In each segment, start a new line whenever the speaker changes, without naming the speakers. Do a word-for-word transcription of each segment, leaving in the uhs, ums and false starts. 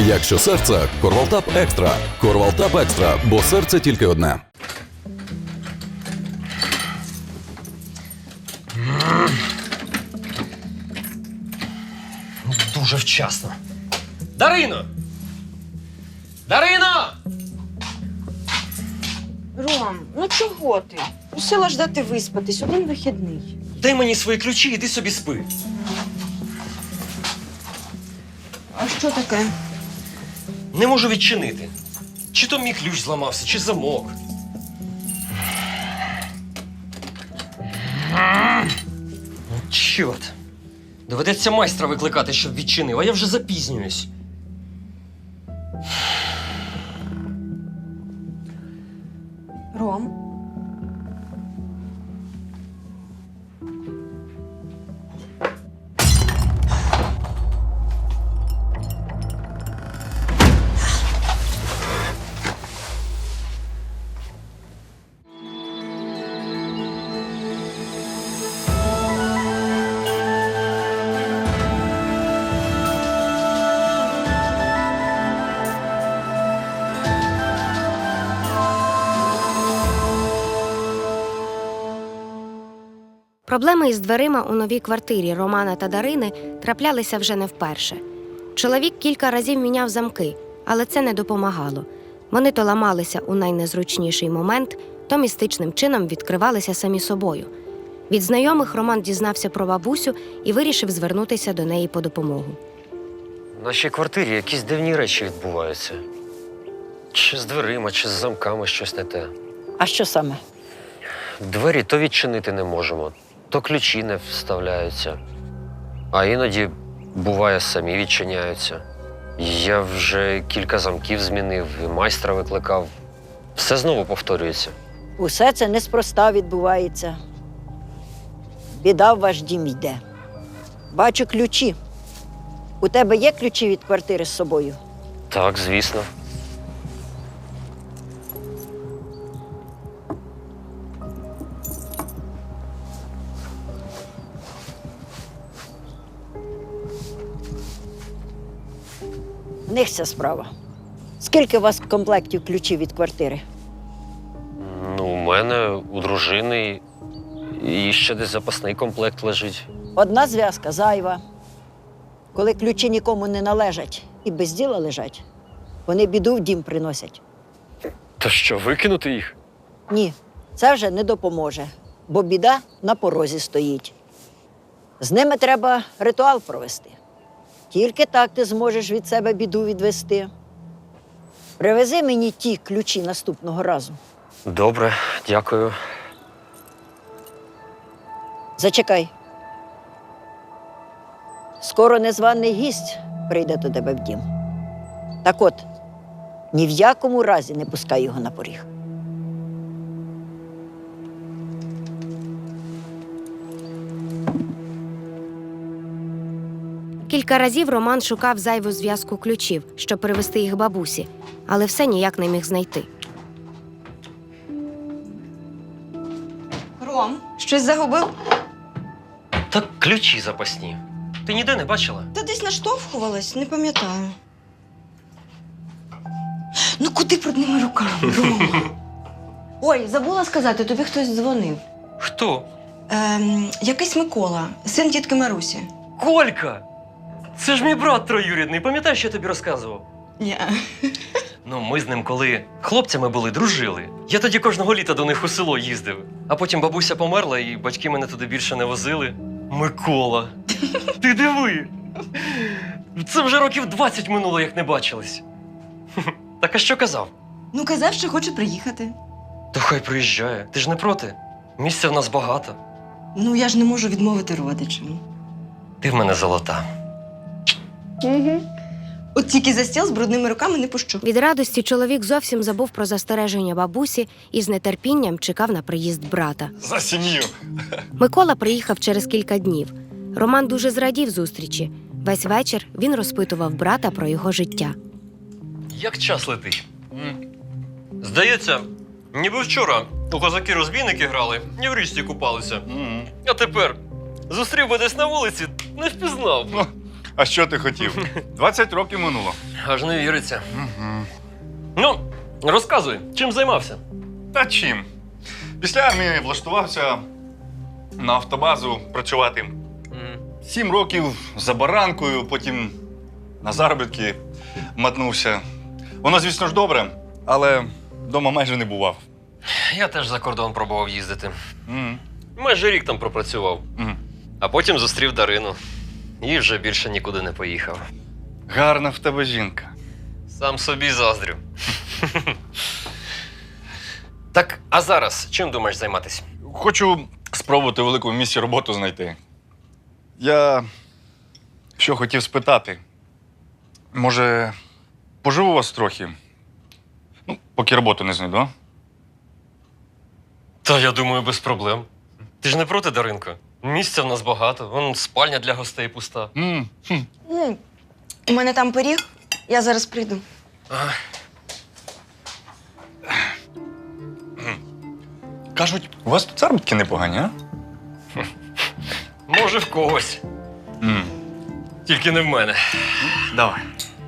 Якщо серце – Корвалтап Екстра. Корвалтап Екстра, бо серце тільки одне.
Дуже вчасно. Дарино! Дарино!
Ром, ну чого ти? Мусила ж дати виспатись, один вихідний.
Дай мені свої ключі, іди собі спи.
А що таке?
Не можу відчинити. Чи то мій ключ зламався, чи замок. Ну, чорт. Доведеться майстра викликати, щоб відчинив, а я вже запізнююсь.
Ром?
Проблеми із дверима у новій квартирі Романа та Дарини траплялися вже не вперше. Чоловік кілька разів міняв замки, але це не допомагало. Вони то ламалися у найнезручніший момент, то містичним чином відкривалися самі собою. Від знайомих Роман дізнався про бабусю і вирішив звернутися до неї по допомогу.
В нашій квартирі якісь дивні речі відбуваються. Чи з дверима, чи з замками щось не те.
А що саме?
Двері то відчинити не можемо, то ключі не вставляються. А іноді, буває, самі відчиняються. Я вже кілька замків змінив, і майстра викликав. Все знову повторюється.
Усе це неспроста відбувається. Біда в ваш дім йде. Бачу ключі. У тебе є ключі від квартири з собою?
Так, звісно.
В них ця справа. Скільки у вас комплектів ключів від квартири?
Ну, у мене, у дружини, і ще десь запасний комплект лежить.
Одна зв'язка зайва. Коли ключі нікому не належать і без діла лежать, вони біду в дім приносять.
То що, викинути їх?
Ні, це вже не допоможе, бо біда на порозі стоїть. З ними треба ритуал провести. Тільки так ти зможеш від себе біду відвести. Привези мені ті ключі наступного разу.
Добре, дякую.
Зачекай. Скоро незваний гість прийде до тебе в дім. Так от, ні в якому разі не пускай його на поріг.
Кілька разів Роман шукав зайву зв'язку ключів, щоб привезти їх бабусі, але все ніяк не міг знайти.
Ром, щось загубив?
Так ключі запасні. Ти ніде не бачила?
Та десь наштовхувалась, не пам'ятаю. Ну куди брудними руками, Рома? Ой, забула сказати, тобі хтось дзвонив.
Хто?
Ем, якийсь Микола, син тітки Марусі.
Колька! Це ж мій брат троюрідний, пам'ятаєш, що я тобі розказував?
Ні.
Ну, ми з ним, коли хлопцями були, дружили. Я тоді кожного літа до них у село їздив. А потім бабуся померла, і батьки мене туди більше не возили. Микола! Ти диви! Це вже років двадцять минуло, як не бачились. Так а що казав?
Ну, казав, що хоче приїхати.
То хай приїжджає. Ти ж не проти? Місця в нас багато.
Ну, я ж не можу відмовити родичам.
Ти в мене золота.
Угу. От тільки за стіл з брудними руками не пущу.
Від радості чоловік зовсім забув про застереження бабусі і з нетерпінням чекав на приїзд брата.
За сім'ю.
Микола приїхав через кілька днів. Роман дуже зрадів зустрічі. Весь вечір він розпитував брата про його життя.
Як час летить? Здається, ніби вчора у козаки-розбійники грали, і в річці купалися. А тепер зустрів би десь на вулиці, не впізнав.
Ну, А що ти хотів? двадцять років минуло.
Аж не віриться.
Угу.
Ну, розказуй, чим займався?
Та чим? Після армії влаштувався на автобазу працювати. Сім років за баранкою, потім на заробітки мотнувся. Воно, звісно ж, добре, але вдома майже не бував.
Я теж за кордон пробував їздити.
Мгм.
Майже рік там пропрацював.
Мгм.
А потім зустрів Дарину. І вже більше нікуди не поїхав.
Гарна в тебе жінка.
Сам собі заздрю. Так, а зараз чим думаєш займатися?
Хочу спробувати в великому місті роботу знайти. Я що хотів спитати. Може, поживу у вас трохи? Ну, поки роботу не знайду, а?
Та я думаю, без проблем. Ти ж не проти, Даринко? Місця в нас багато, вон спальня для гостей пуста.
М, хм.
Ну, у мене там пиріг, я зараз прийду.
Ага.
Кажуть, у вас тут заробітки непогані, а?
Може, в когось.
М.
Тільки не в мене.
Давай.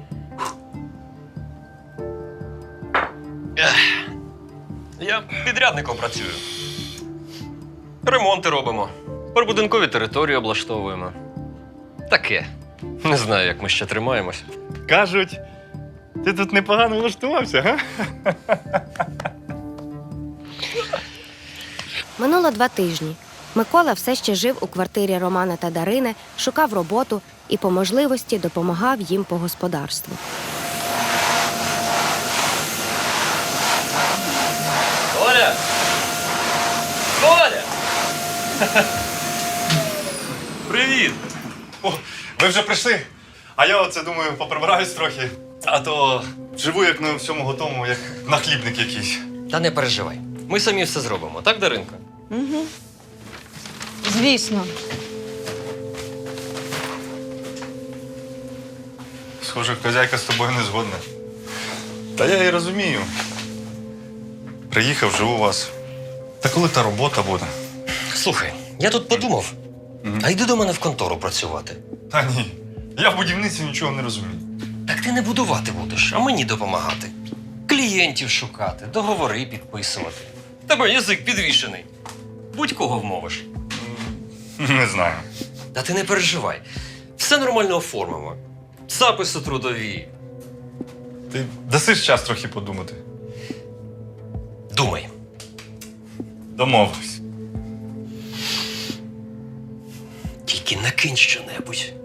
Я підрядником працюю. Ремонти робимо. Прибудинкові території облаштовуємо. Таке. Не знаю, як ми ще тримаємось.
Кажуть, ти тут непогано влаштувався, га?
Минуло два тижні. Микола все ще жив у квартирі Романа та Дарини, шукав роботу і по можливості допомагав їм по господарству.
Оля! Оля! Привіт!
О, ви вже прийшли? А я оце думаю, поприбираюсь трохи. А то живу як на всьому готовому, як нахлібник якийсь.
Та не переживай. Ми самі все зробимо, так, Даринко?
Угу. Звісно.
Схоже, хазяйка з тобою не згодна. Та я і розумію. Приїхав, живу у вас. Та коли та робота буде?
Слухай, я тут подумав.
Мгм.
А йди до мене в контору працювати.
Та ні. Я в будівництві нічого не розумію.
Так ти не будувати будеш, а мені допомагати. Клієнтів шукати, договори підписувати. В Тебе язик підвішений. Будь-кого вмовиш.
Не знаю.
Та ти не переживай. Все нормально оформимо. Записи трудові.
Ти дасиш час трохи подумати.
Думай.
Домовились.
Тільки накинь щонебудь.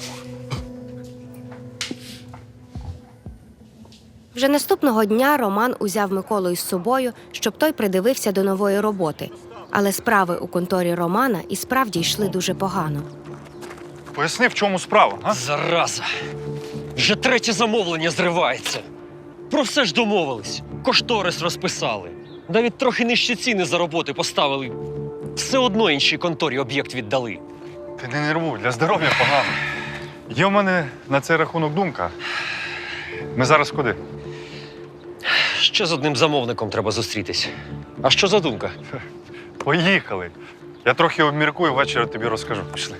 Вже наступного дня Роман узяв Миколу із собою, щоб той придивився до нової роботи. Але справи у конторі Романа і справді йшли дуже погано.
Поясни, в чому справа, а?
Зараза. Вже третє замовлення зривається. Про все ж домовились. Кошторис розписали. Навіть трохи нижчі ціни за роботи поставили. Все одно іншій конторі об'єкт віддали.
Ти не нервуй, для здоров'я погано. Є в мене на цей рахунок думка. Ми зараз куди?
Ще з одним замовником треба зустрітись. А що за думка?
Поїхали. Я трохи обміркую, ввечері тобі розкажу. Пішли.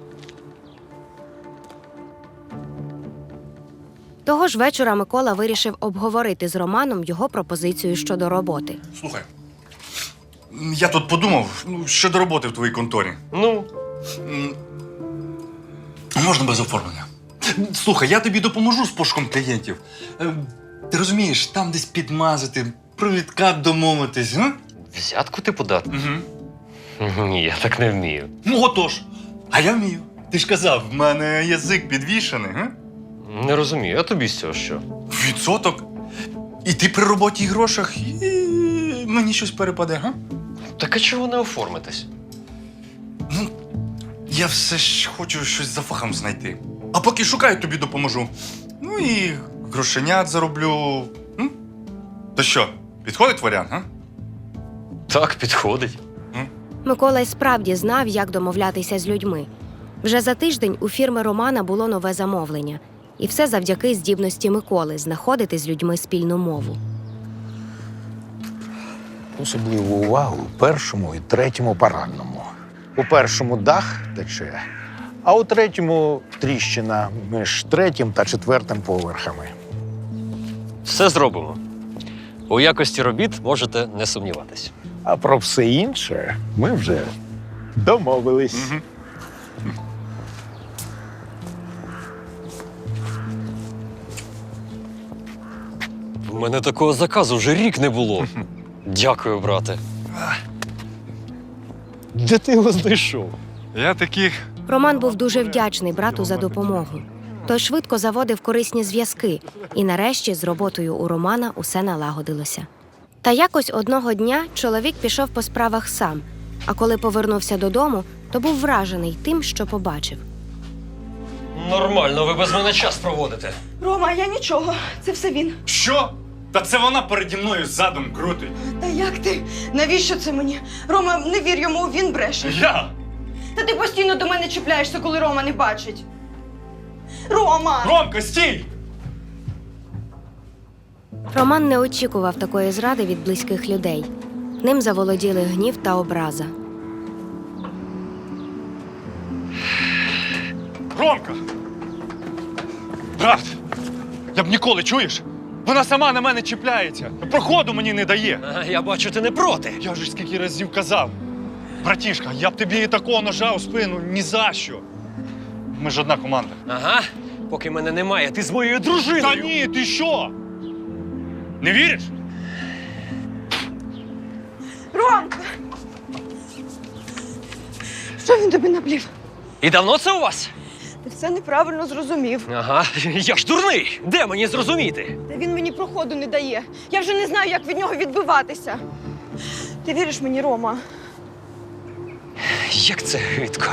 Того ж вечора Микола вирішив обговорити з Романом його пропозицію щодо роботи.
Слухай, я тут подумав, ну, щодо роботи в твоїй конторі.
Ну,
М, Можна без оформлення. Слухай, я тобі допоможу з пошуком клієнтів. Е, Ти розумієш, там десь підмазати, про відкат домовитись, га?
взятку ти подати?
Угу.
Ні, я так не вмію.
Ну, отож. А я вмію. Ти ж казав, в мене язик підвішений, га?
Не розумію, а тобі з цього що?
Відсоток. І ти при роботі і грошах, і мені щось перепаде, га?
Так а чого не оформитись?
Ну, я все ж хочу щось за фахом знайти. А поки шукаю, тобі допоможу. Ну і грошенят зароблю. М? То що, підходить варіант, га?
Так, підходить.
Микола й справді знав, як домовлятися з людьми. Вже за тиждень у фірми Романа було нове замовлення. І все завдяки здібності Миколи знаходити з людьми спільну мову.
Особливу увагу першому і третьому парадному. У першому дах тече, а у третьому тріщина між третім та четвертим поверхами.
Все зробимо. У якості робіт можете не сумніватись.
А про все інше ми вже домовились.
Мгм.
У мене такого заказу вже рік не було. Дякую, брате. Де ти його знайшов?
Я таких.
Роман був дуже вдячний брату за допомогу. Той швидко заводив корисні зв'язки, і нарешті з роботою у Романа усе налагодилося. Та якось одного дня чоловік пішов по справах сам, а коли повернувся додому, то був вражений тим, що побачив.
Нормально, ви без мене час проводите.
Рома, я нічого. Це все він.
Що? Та це вона переді мною задом крутить.
Та як ти? Навіщо це мені? Рома, не вір йому, він бреше.
Я?
Та ти постійно до мене чіпляєшся, коли Рома не бачить. Рома!
Ромка, стій!
Роман не очікував такої зради від близьких людей. Ним заволоділи гнів та образа.
Ромка! Брат! Я б ніколи, чуєш? Вона сама на мене чіпляється. Проходу мені не дає.
А, я бачу, ти не проти.
Я ж скільки разів казав. Братішка, я б тобі і такого ножа у спину ні за що. Ми ж одна команда.
Ага, поки мене немає, ти з моєю дружиною.
Та ні, ти що? Не віриш?
Ромка! Що він тобі наплів?
І давно це у вас?
Ти все неправильно зрозумів.
Ага, я ж дурний. Де мені зрозуміти?
Та він мені проходу не дає. Я вже не знаю, як від нього відбиватися. Ти віриш мені, Рома?
Як це гидко.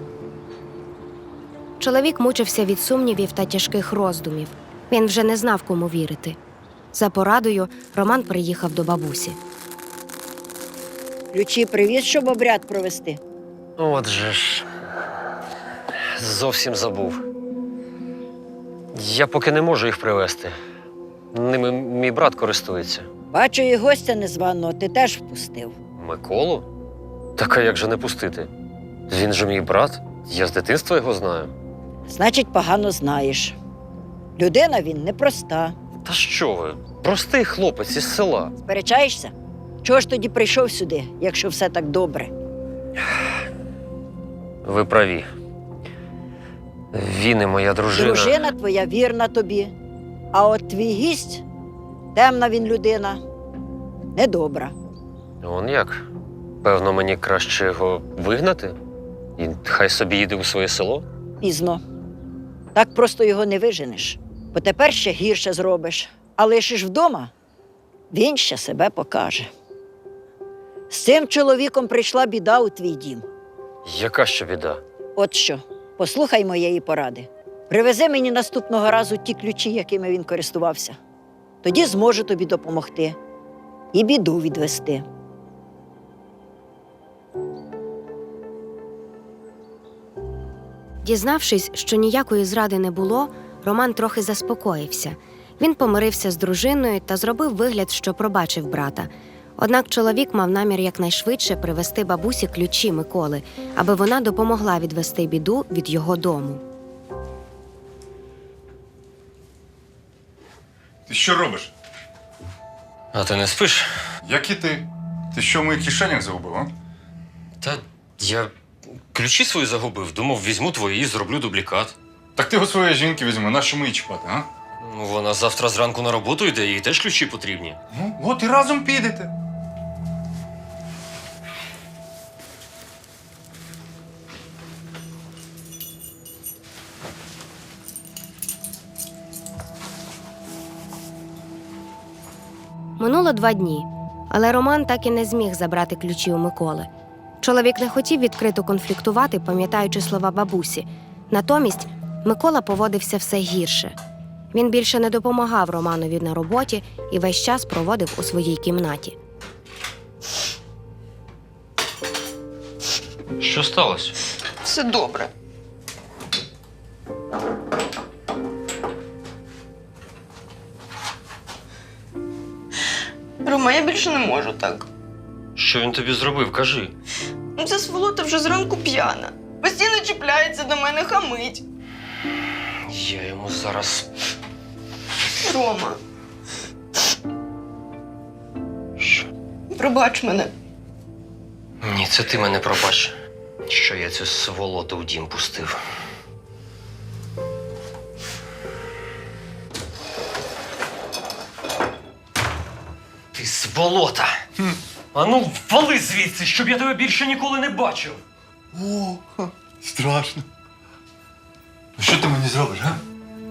Чоловік мучився від сумнівів та тяжких роздумів. Він вже не знав, кому вірити. За порадою Роман приїхав до бабусі.
Ключі привіз, щоб обряд провести.
Отже ж. Зовсім забув. Я поки не можу їх привезти. Ними мій брат користується.
Бачу, і гостя незваного ти теж впустив.
Миколу? Так а як же не пустити? Він же мій брат. Я з дитинства його знаю.
Значить, погано знаєш. Людина він непроста.
Та що ви? Простий хлопець із села.
Сперечаєшся? Чого ж тоді прийшов сюди, якщо все так добре?
Ви праві. Він і моя дружина.
Дружина твоя вірна тобі, а от твій гість, темна він людина, недобра.
Он як? Певно, мені краще його вигнати? І хай собі їде у своє село?
Пізно. Так просто його не виженеш. Бо тепер ще гірше зробиш. А лишиш вдома, він ще себе покаже. З цим чоловіком прийшла біда у твій дім.
Яка ще біда?
От що, послухай моєї поради. Привези мені наступного разу ті ключі, якими він користувався. Тоді зможу тобі допомогти і біду відвести.
Дізнавшись, що ніякої зради не було, Роман трохи заспокоївся. Він помирився з дружиною та зробив вигляд, що пробачив брата. Однак чоловік мав намір якнайшвидше привезти бабусі ключі Миколи, аби вона допомогла відвести біду від його дому.
Ти що робиш?
А ти не спиш?
Як і ти? Ти що в моїх кишенях загубив, а?
Та я ключі свої загубив. Думав, візьму твої і зроблю дублікат.
Так ти його своєї жінки візьми, нащо ми її чіпати, а?
Ну, вона завтра зранку на роботу йде, їй теж ключі потрібні.
Ну, от і разом підете.
Минуло два дні, але Роман так і не зміг забрати ключі у Миколи. Чоловік не хотів відкрито конфліктувати, пам'ятаючи слова бабусі. Натомість Микола поводився все гірше. Він більше не допомагав Романові на роботі і весь час проводив у своїй кімнаті.
Що сталося?
Все добре. Рома, я більше не можу так.
Що він тобі зробив, кажи.
Ну, ця сволота вже зранку п'яна. Постійно чіпляється до мене, хамить.
Я йому зараз.
Рома,
Що?
пробач мене.
Ні, це ти мене пробач, що я цю сволоту в дім пустив. Ти сволота! Ану, вали звідси, щоб я тебе більше ніколи не бачив!
О, ха, страшно. Ну що ти мені зробиш, га?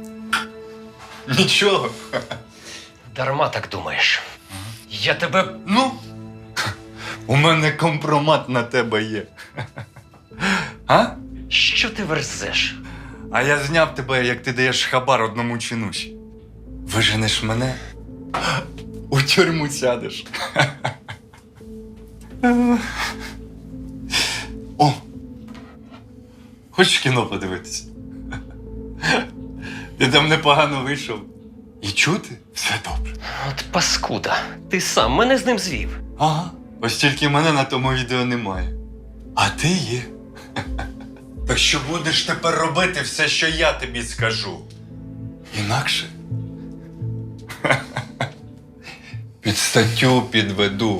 Нічого.
Дарма так думаєш. Я тебе.
Ну, у мене компромат на тебе є. А?
Що ти верзеш?
А я зняв тебе, як ти даєш хабар одному чинуші. Виженеш мене, у тюрму сядеш. О! Хочеш кіно подивитися? Ти там непогано вийшов. І чути все добре.
От паскуда, ти сам мене з ним звів.
Ага. Ось тільки мене на тому відео немає. А ти є. Так що будеш тепер робити все, що я тобі скажу. Інакше. Під статтю підведу.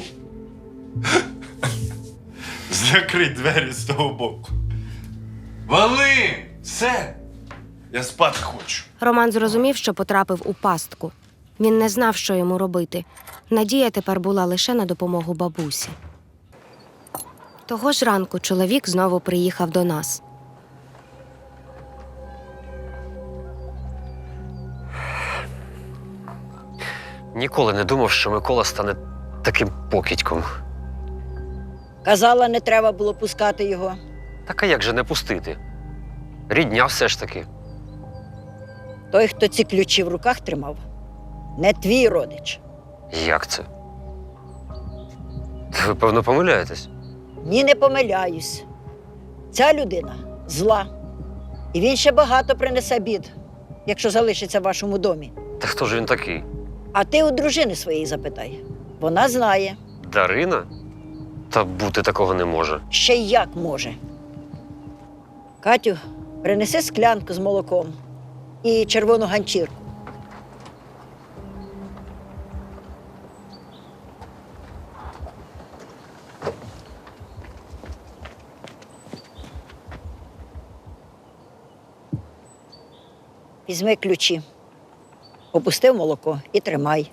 Закрий двері з того боку. Вали! Все! Я спати хочу.
Роман зрозумів, що потрапив у пастку. Він не знав, що йому робити. Надія тепер була лише на допомогу бабусі. Того ж ранку чоловік знову приїхав до нас.
Ніколи не думав, що Микола стане таким покидьком.
Казала, не треба було пускати його.
Так а як же не пустити? Рідня все ж таки.
Той, хто ці ключі в руках тримав, не твій родич.
Як це? Ви, певно, помиляєтесь.
Ні, не помиляюсь. Ця людина зла. І він ще багато принесе бід, якщо залишиться в вашому домі.
Та хто ж він такий?
А ти у дружини своєї запитай. Вона знає,
Дарина? Та бути такого не може.
ще й як може. Катю, принеси склянку з молоком і червону ганчірку. Візьми ключі, опусти в молоко і тримай.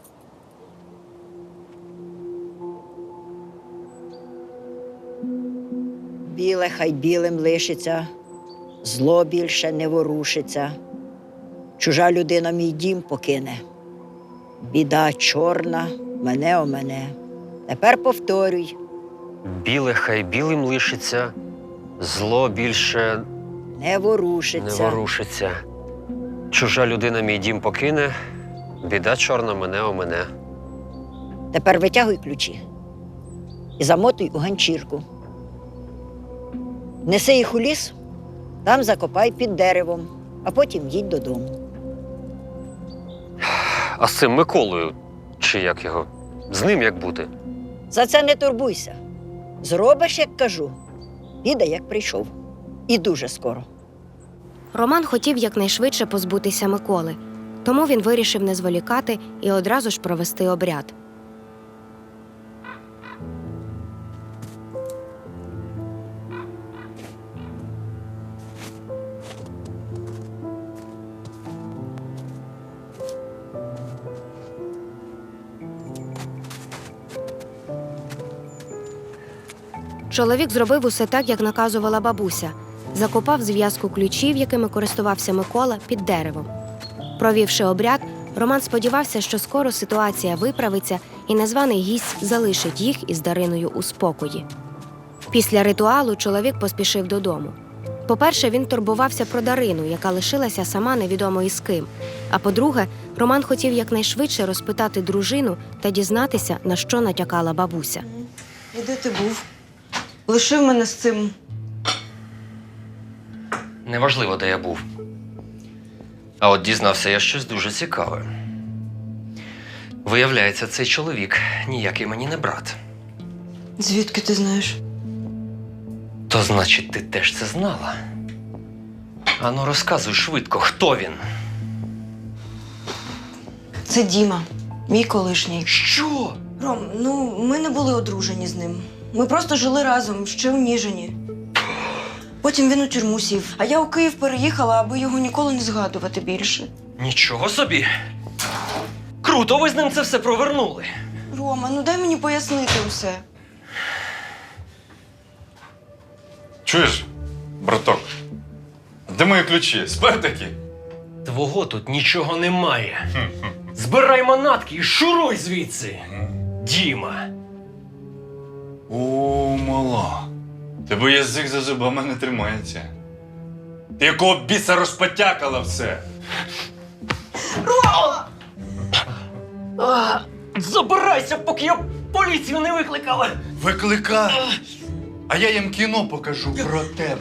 Біле хай білим лишиться, зло більше не ворушиться. Чужа людина мій дім покине. Біда чорна мене о мене. Тепер повторюй,
Біле хай білим лишиться, зло більше
не
не
ворушиться.
ворушиться. Чужа людина мій дім покине, біда чорна мене о мене.
Тепер витягуй ключі і замотуй у ганчірку. Неси їх у ліс, там закопай під деревом, а потім їдь додому.
А з цим Миколою, чи як його, з ним як бути?
За це не турбуйся. Зробиш, як кажу, піде, як прийшов. І дуже скоро.
Роман хотів якнайшвидше позбутися Миколи, тому він вирішив не зволікати і одразу ж провести обряд. Чоловік зробив усе так, як наказувала бабуся. Закопав зв'язку ключів, якими користувався Микола, під деревом. Провівши обряд, Роман сподівався, що скоро ситуація виправиться і незваний гість залишить їх із Дариною у спокої. Після ритуалу чоловік поспішив додому. По-перше, він турбувався про Дарину, яка лишилася сама невідомо із ким. А по-друге, Роман хотів якнайшвидше розпитати дружину та дізнатися, на що натякала бабуся.
І де ти був? Лишив мене з цим.
Неважливо, де я був. А от дізнався я щось дуже цікаве. Виявляється, цей чоловік ніякий мені не брат.
Звідки ти знаєш?
То значить, ти теж це знала? Ану, розказуй швидко, хто він?
Це Діма, мій колишній.
Що?
Ром, ну ми не були одружені з ним. Ми просто жили разом, ще у Ніжині. Потім він у тюрму сів, а я у Київ переїхала, аби його ніколи не згадувати більше.
Нічого собі. Круто, ви з ним це все провернули.
Рома, ну дай мені пояснити усе.
Чуєш, браток? Де мої ключі? Спер таки?
Твого тут нічого немає. Збирай манатки і шуруй звідси. Діма.
О, мала. Тебе язик за зубами не тримається. Ти якого біса розпотякала все?
А, забирайся, поки я поліцію не викликала.
Викликай! А я їм кіно покажу про тебе.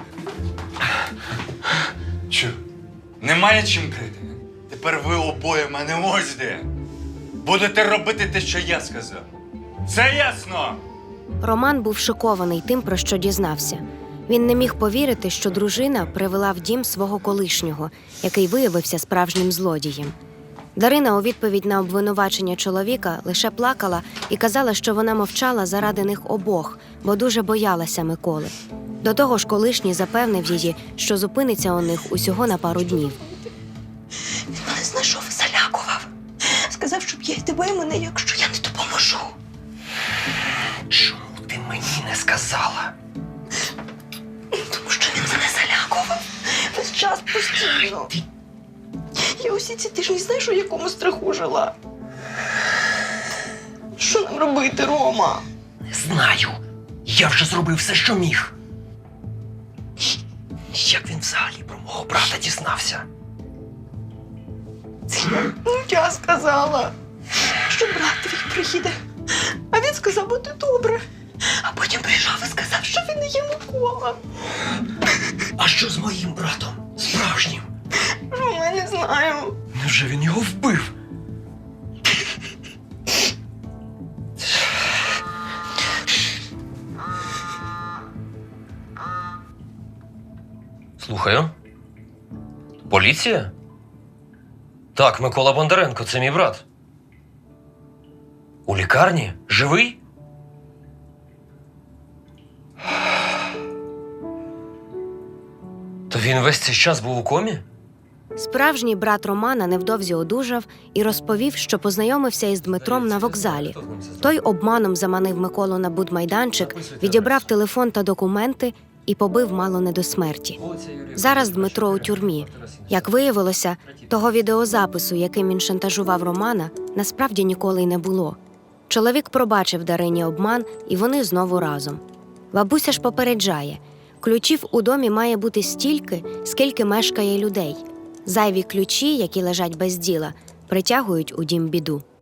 Чу, немає чим крити. Тепер ви обоє в мене ось де. Будете робити те, що я сказав. Все ясно?
Роман був шокований тим, про що дізнався. Він не міг повірити, що дружина привела в дім свого колишнього, який виявився справжнім злодієм. Дарина у відповідь на обвинувачення чоловіка лише плакала і казала, що вона мовчала заради них обох, бо дуже боялася Миколи. До того ж, колишній запевнив її, що зупиниться у них усього на пару днів.
Він мене знайшов і залякував. Сказав, щоб я й тебе, і мене, якщо я не допоможу.
Чому ти мені не сказала?
Тому що він мене залякував. Весь час постійно. Я усі ці тижні, знаєш, у якому страху жила. Що нам робити, Рома?
Не знаю. Я вже зробив все, що міг. Як він взагалі про мого брата дізнався?
Це я, ну, я сказала, що брат твій приїде. А він сказав, буде добре. А потім прийшов і сказав, що він не є Микола.
А що з моїм братом? Справжнім?
Рома, я не знаю.
Невже він його вбив? Слухаю. Поліція? Так, Микола Бондаренко, це мій брат. У лікарні? Живий? То він весь цей час був у комі?
Справжній брат Романа невдовзі одужав і розповів, що познайомився із Дмитром на вокзалі. Той обманом заманив Миколу на будмайданчик, відібрав телефон та документи і побив мало не до смерті. Зараз Дмитро у тюрмі. Як виявилося, того відеозапису, яким він шантажував Романа, насправді ніколи й не було. Чоловік пробачив Дарині обман, і вони знову разом. Бабуся ж попереджає, ключів у домі має бути стільки, скільки мешкає людей. Зайві ключі, які лежать без діла, притягують у дім біду.